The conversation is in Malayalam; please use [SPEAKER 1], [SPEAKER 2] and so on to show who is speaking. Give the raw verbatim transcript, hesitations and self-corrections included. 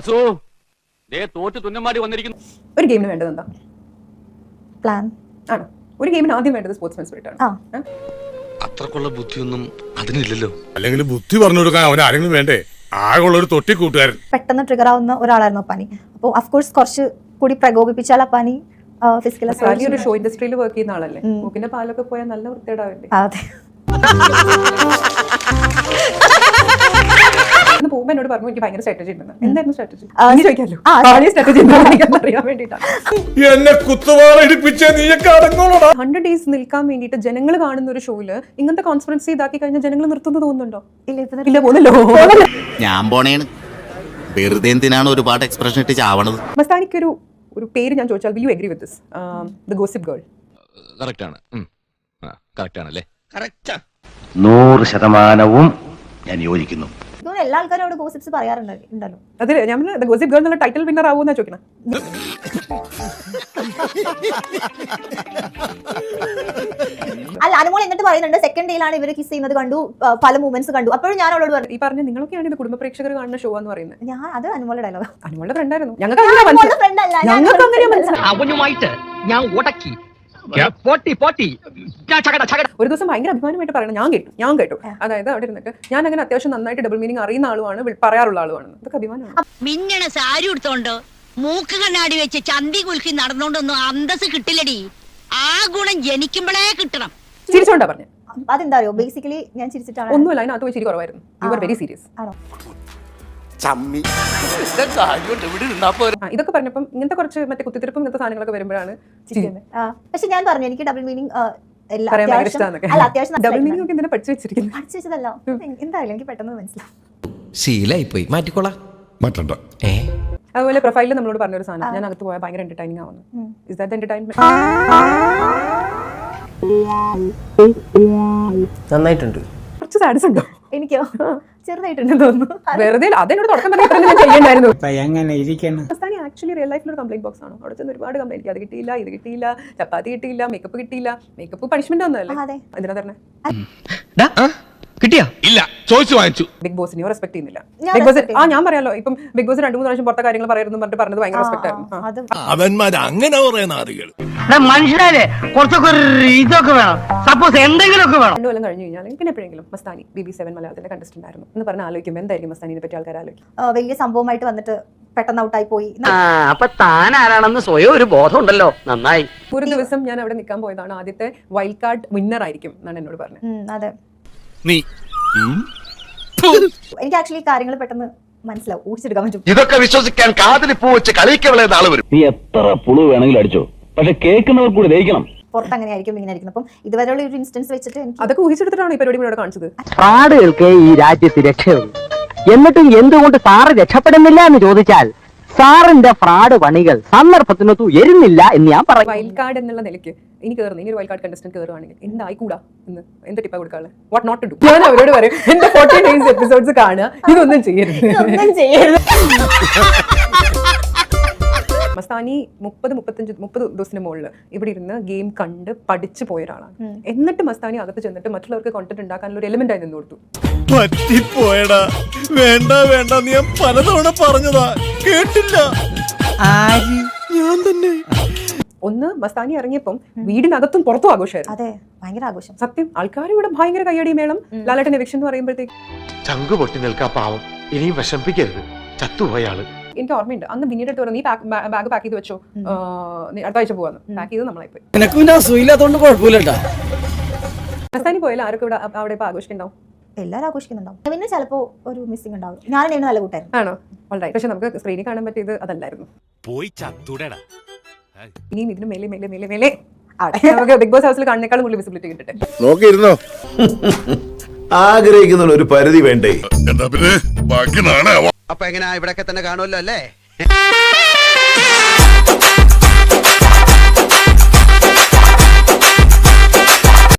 [SPEAKER 1] ഒരു ഗെയിമിന് വേണ്ടത് എന്താ?
[SPEAKER 2] പ്ലാൻ
[SPEAKER 1] ആണോ? ഒരു ഗെയിമിന് ആദ്യം വേണ്ടത് സ്പോർട്സ്മാൻ സ്പിരിറ്റ് ആണ്.
[SPEAKER 3] അത്രക്കുള്ള ബുദ്ധിയൊന്നും അതിനില്ലല്ലോ.
[SPEAKER 4] അല്ലെങ്കിൽ ബുദ്ധി പറഞ്ഞു കൊടുക്കാൻ അവൻ ആരെങ്കിലും വേണ്ടേ? ആകെയുള്ള ഒരു തൊട്ടി കൂട്ടുകാരൻ.
[SPEAKER 2] പെട്ടെന്ന് ട്രിഗർ ആവുന്ന ഒരാളായിരുന്നു അപ്പാനി. അപ്പോൾ അഫ്കോഴ്സ് കുറച്ച് കൂടി പ്രകോപിപ്പിച്ചാൽ അപ്പാനി ഫിസിക്കൽ
[SPEAKER 1] ഒരു ഷോ ഇൻഡസ്ട്രിയിൽ വർക്ക് ചെയ്യുന്ന ആളല്ലേ? മൂക്കിന്റെ പാലൊക്കെ പോയാൽ നല്ല വൃത്തിയേടാവില്ലേ?
[SPEAKER 2] അതെ.
[SPEAKER 1] പോകുമ്പോ എന്നോട് പറഞ്ഞു എനിക്ക് ഭയങ്കര സ്ട്രാറ്റജി ഉണ്ടെന്ന്. എന്തായിരുന്നു സ്ട്രാറ്റജി? ചോദിക്കാമല്ലോ. സ്ട്രാറ്റജി അറിയാൻ വേണ്ടിയിട്ടാണ്. ഹൺഡ്രഡ് ഡേയ്സ് നിൽക്കാൻ വേണ്ടിയിട്ട് ജനങ്ങൾ കാണുന്ന ഒരു ഷോയില് ഇങ്ങനത്തെ കോൺഫിഡൻസ് ഇതാക്കി കഴിഞ്ഞാൽ ജനങ്ങൾ നിർത്തുന്നത് തോന്നുന്നുണ്ടോ? ഇല്ല, പോകുന്നല്ലോ.
[SPEAKER 5] ഞാൻ പോണേണ്. വെറുതെ എന്തിനാണ് ഒരുപാട് എക്സ്പ്രഷൻ ഇട്ട് ചാവണത്?
[SPEAKER 1] മസ്താനിക്ക് ഒരു ഒരു പേര് ഞാൻ ചോദിച്ചാൽ will you agree with this? The gossip girl.
[SPEAKER 3] Correct ആണ്. കറക്റ്റ് ആണല്ലേ? കറക്റ്റ്.
[SPEAKER 6] നൂറ് ശതമാനവും ഞാൻ യോജിക്കുന്നു.
[SPEAKER 2] എല്ലാ ആൾക്കാരോട് ഗോസിപ്സ് പറയാറുണ്ടല്ലോ.
[SPEAKER 1] അതെ, ഞാൻ ദ ഗോസിപ്പ് ഗേൾ എന്നുള്ള ടൈറ്റിൽ വിന്നർ ആവുമെന്നാ ചോദിക്കണം.
[SPEAKER 2] അല്ല, അനുമോൾ എന്നിട്ട് പറയുന്നുണ്ട് സെക്കൻഡ് ഡേയിലാണ് ഇവര് കിസ് ചെയ്യുന്നത് കണ്ടു, പല മൂവ്മെന്റ്സ് കണ്ടു. അപ്പോഴും ഞാൻ അവളോട് പറഞ്ഞു,
[SPEAKER 1] ഈ പറഞ്ഞ നിങ്ങളൊക്കെയാണ് ഇത് കുടുംബ പ്രേക്ഷകർ കാണുന്ന ഷോ എന്ന് പറയുന്നത്.
[SPEAKER 2] ഞാൻ അത് അനുമോളുടെ ഡയലോഗ്.
[SPEAKER 1] അനുമോളുടെ ഫ്രണ്ട് ആയിരുന്നു. ഞങ്ങൾക്ക് അങ്ങനെ മനസ്സിലായി. ഒരു ദിവസം ഭയങ്കര അഭിമാനമായിട്ട് പറയണം, ഞാൻ കേട്ടു ഞാൻ കേട്ടു അതായത് അവിടെ ഇരുന്നിട്ട് ഞാൻ അങ്ങനെ അത്യാവശ്യം നന്നായിട്ട് ഡബിൾ മീനിങ് അറിയുന്ന ആളുമാണ്, പറയാറുള്ള ആളുമാണ്. ഇതൊക്കെ അഭിമാനമാണ്.
[SPEAKER 7] മിന്നണ സാരി എടുത്തോണ്ടോ മൂക്ക് കണ്ണാടി വെച്ച് ചന്തി കുലുക്കി നടന്നോണ്ടൊന്നും അന്തസ് കിട്ടില്ലടി. ആ ഗുണം ജനിക്കുമ്പോഴേ കിട്ടണം.
[SPEAKER 1] ചിരിച്ചോണ്ടാ പറഞ്ഞു.
[SPEAKER 2] അതെന്താ അറിയോ, ബേസിക്കലി ഞാൻ ചിരിച്ചിട്ടാണ്.
[SPEAKER 1] ഒന്നുമില്ല, അതിനകത്ത് പോയി ചിരി കുറവായിരുന്നു. You are very serious. ഇതൊക്കെ പറഞ്ഞപ്പം ഇങ്ങനത്തെ കുറച്ച് മറ്റേ കുത്തിത്തിരിപ്പും ഇങ്ങനത്തെ സാധനങ്ങളൊക്കെ വരുമ്പോഴാണ്.
[SPEAKER 2] പക്ഷെ ഞാൻ പറഞ്ഞു എനിക്ക് ഡബിൾ മീനിങ്
[SPEAKER 1] ഡബിൾ മീനിങ് ഒക്കെ എന്തിനാ പഠിച്ചു വെച്ചിരിക്കുന്നത്?
[SPEAKER 2] പഠിച്ചു വെച്ചതല്ല, എന്തായാലും എനിക്ക് പെട്ടെന്ന് മനസ്സിലാവും.
[SPEAKER 8] ശീലായി പോയി, മാറ്റിക്കോളാം.
[SPEAKER 1] അതുപോലെ പ്രൊഫൈലിൽ നമ്മളോട് പറഞ്ഞൊരു സാധനം, ഞാൻ അകത്ത് പോയാൽ ഭയങ്കര എന്റർടൈനിങ് ആവുന്നു. Is that entertainment?
[SPEAKER 8] നന്നായിട്ടുണ്ട്.
[SPEAKER 1] കുറച്ച് സാഡ്സ് ഉണ്ടോ?
[SPEAKER 2] എനിക്കോ ചെറുതായിട്ടുണ്ടെന്ന് തോന്നുന്നു.
[SPEAKER 1] വെറുതെ അതെന്നോട് തുടക്കം പറഞ്ഞാൽ ചെയ്യണ്ടായിരുന്നു.
[SPEAKER 8] മസ്താനി
[SPEAKER 1] ആക്ച്വലി റിയൽ ലൈഫിൽ ഒരു കംപ്ലൈന്റ് ബോക്സ് ആണ്. അവിടെ ചെന്ന് ഒരുപാട് കംപ്ലൈന്റ്, അത് കിട്ടിയില്ല, ഇത് കിട്ടിയില്ല, ചപ്പാത്തി കിട്ടിയില്ല, മേക്കപ്പ് കിട്ടിയില്ല. മേക്കപ്പ് പണിഷ്മെന്റ് ഒന്നുമല്ലേ? എന്തിനാ പറഞ്ഞേ?
[SPEAKER 3] കിട്ടിയാ? ഇല്ല, ചോദിച്ചു വാങ്ങിച്ചു.
[SPEAKER 1] ബിഗ് ബോസിനെയോ റെസ്പെക്ട് ചെയ്യുന്നില്ല. ബിഗ് ബോസ് ആ ഞാൻ പറയാലോ, ഇപ്പം ബിഗ് ബോസ് രണ്ടു മൂന്ന് പ്രാവശ്യം പുറത്തെ കാര്യങ്ങൾ പറയുന്നു പറഞ്ഞിട്ട് പറഞ്ഞത് ഭയങ്കര റെസ്പെക്ട് ആയിരുന്നു.
[SPEAKER 4] അവന്മാർ അങ്ങനെ പറയുന്ന ആളുകൾ
[SPEAKER 9] മനുഷ്യരെ കുറച്ചൊക്കെ ഇതൊക്കെ വേണം, സപ്പോസ് എന്തെങ്കിലുമൊക്കെ വേണം.
[SPEAKER 1] രണ്ടു കൊല്ലം കഴിഞ്ഞു കഴിഞ്ഞാൽ പിന്നെ എപ്പോഴെങ്കിലും മസ്താനി ബി ബി സെവൻ മലയാളത്തിലെ കണ്ടസ്റ്റന്റ് ആയിരുന്നു എന്ന് പറഞ്ഞാൽ ആലോചിക്കുമ്പോൾ എന്തായിരിക്കും മസ്താനിനെ പറ്റി ആൾക്കാർ ആലോചിക്കും?
[SPEAKER 2] വലിയ സംഭവമായിട്ട് വന്നിട്ട് പെട്ടെന്ന് ഔട്ടായി പോയി.
[SPEAKER 9] അപ്പൊ താൻ ആരാണെന്ന് സ്വയം ഒരു ബോധം ഉണ്ടല്ലോ, നന്നായി.
[SPEAKER 1] ഒരു ദിവസം ഞാൻ അവിടെ നിൽക്കാൻ പോയതാണ്, ആദ്യത്തെ വൈൽഡ് കാർഡ് വിന്നർ ആയിരിക്കും എന്നാണ് എന്നോട് പറഞ്ഞത്.
[SPEAKER 2] അതെ,
[SPEAKER 3] നീ
[SPEAKER 2] എനിക്ക് ആക്ച്വലി കാര്യങ്ങൾ പെട്ടെന്ന് മനസ്സിലാവും, ഊഹിച്ചെടുക്കാൻ പറ്റും.
[SPEAKER 3] ഇതൊക്കെ വിശ്വസിക്കാൻ കാതിൽ പൂ വെച്ച് കളിക്കവളെ നാളെ വരും.
[SPEAKER 6] നീ എത്ര പുളു വേണമെങ്കിലും അടിച്ചോ, പക്ഷെ കേൾക്കുന്നവർ കൂടി ദഹിക്കണം.
[SPEAKER 2] പുറത്ത് അങ്ങനെ ആയിരിക്കും, ഇങ്ങനെ ആയിരിക്കും. അപ്പം ഇതുവരെയുള്ള ഒരു ഇൻസ്റ്റൻസ് വെച്ചിട്ട്
[SPEAKER 1] അതൊക്കെ ഊഹിച്ചെടുത്തിട്ടാണ് ഈ പരിപാടി ഇവിടെ കാണിച്ചത്.
[SPEAKER 9] ഫ്രോഡുകൾക്ക് ഈ രാജ്യത്ത് രക്ഷയുള്ളൂ. എന്നിട്ടും എന്തുകൊണ്ട് സാറ് രക്ഷപ്പെടുന്നില്ല എന്ന് ചോദിച്ചാൽ സാറിന്റെ ഫ്രോഡ് പണികൾ സന്ദർഭത്തിനൊത്തു എരുന്നില്ല എന്ന് ഞാൻ പറയും.
[SPEAKER 1] വൈൽഡ് കാർഡ് എന്നുള്ള നിലയ്ക്ക് ഇനി കയറുന്നു, ഇനി ഒരു വൈൽഡ് കാർഡ് കണ്ടസ്റ്റന്റ് കയറുവാണെങ്കിൽ എന്തായിക്കൂടാ എന്ന് എന്ത് ടിപ്പാ കൊടുക്കാളെ? What not to do? ഞാൻ അവരോട് പറയും, എന്റെ ഫോർട്ടി ഡേയ്സ് എപ്പിസോഡ്സ് കാണുക, ഇതൊന്നും ചെയ്യരുത്. മസ്താനി മുപ്പത് മുപ്പത്തഞ്ച് മുപ്പത് ദിവസത്തിന് മുകളിൽ ഇവിടെ ഇരുന്ന് ഗെയിം കണ്ട് പഠിച്ചു പോയ ഒരാളാണ്. എന്നിട്ട് മസ്താനി അകത്ത് ചെന്നിട്ട് മറ്റുള്ളവർക്ക് കോണ്ടന്റ് ഉണ്ടാക്കാനുള്ള ഒരു എലിമെന്റ് ആയി നിന്ന് കൊടുത്തു.
[SPEAKER 4] പറ്റിപ്പോയടാ, വേണ്ട വേണ്ട, നീ ഞാൻ പലതവണ പറഞ്ഞതാ, കേട്ടില്ല. ഞാൻ തന്നെ
[SPEAKER 1] ഒന്ന് മസ്താനി ഇറങ്ങിയപ്പം വീടിനകത്തും പുറത്തും ആഘോഷമായിരുന്നു.
[SPEAKER 2] അതെ, ഭയങ്കര ആഘോഷം.
[SPEAKER 1] സത്യം, ആൾക്കാർ ഇവിടെ ഭയങ്കര കയ്യടി മേളം. ലാലേട്ടൻ എവിക്ഷൻ എന്ന് പറയുമ്പോഴത്തേക്ക്
[SPEAKER 3] ചങ്കു പൊട്ടി നിൽക്കാ പാവം, ഇനിയും വിഷമിപ്പിക്കരുത്, ചത്തുപോയാള്.
[SPEAKER 1] എനിക്ക് ഓർമ്മയുണ്ട്, അന്ന് പിന്നീട് പറഞ്ഞു, നീ ബാഗ് പാക്ക് ചെയ്ത് വെച്ചോ, അടുത്ത ആഴ്ച പോവാന്ന്. പാക്ക് ചെയ്ത് നമ്മളായി പോയി. മസ്താനി പോയാലും ആരൊക്കെ ഇവിടെ അവിടെ ഇപ്പൊ ആഘോഷിക്കുന്നുണ്ടാവും?
[SPEAKER 2] എല്ലാവരും ആഘോഷിക്കുന്നുണ്ടാവും. പിന്നെ ചിലപ്പോ ഒരു മിസ്സിംഗ് ഉണ്ടാവും. ഞാൻ നല്ല കൂട്ടായിരുന്നു.
[SPEAKER 1] ആണോ? ഓൾറൈറ്റ്. പക്ഷെ നമുക്ക് സ്ക്രീനിൽ കാണാൻ പറ്റിയത് അതല്ലായിരുന്നു.
[SPEAKER 4] പോയി ചത്തുടടാ.
[SPEAKER 1] ഇനിയും ഇതിന് മേലെ മേലെ മേലെ മേലെ അവിടെ നമുക്ക് ബിഗ് ബോസ് ഹൗസിൽ കാണുന്നേക്കാളും കൂടുതൽ വിസിബിലിറ്റി കിട്ടട്ടെ.
[SPEAKER 4] നോക്കിയിരുന്നോ?
[SPEAKER 10] ആഗ്രഹിക്കുന്ന ഒരു പരിധി വേണ്ടേ?
[SPEAKER 4] എന്താ പിന്നെ ബാക്കി നാളെ.
[SPEAKER 5] അപ്പൊ എങ്ങനെയാ, ഇവിടെയൊക്കെ തന്നെ കാണുമല്ലോ അല്ലേ?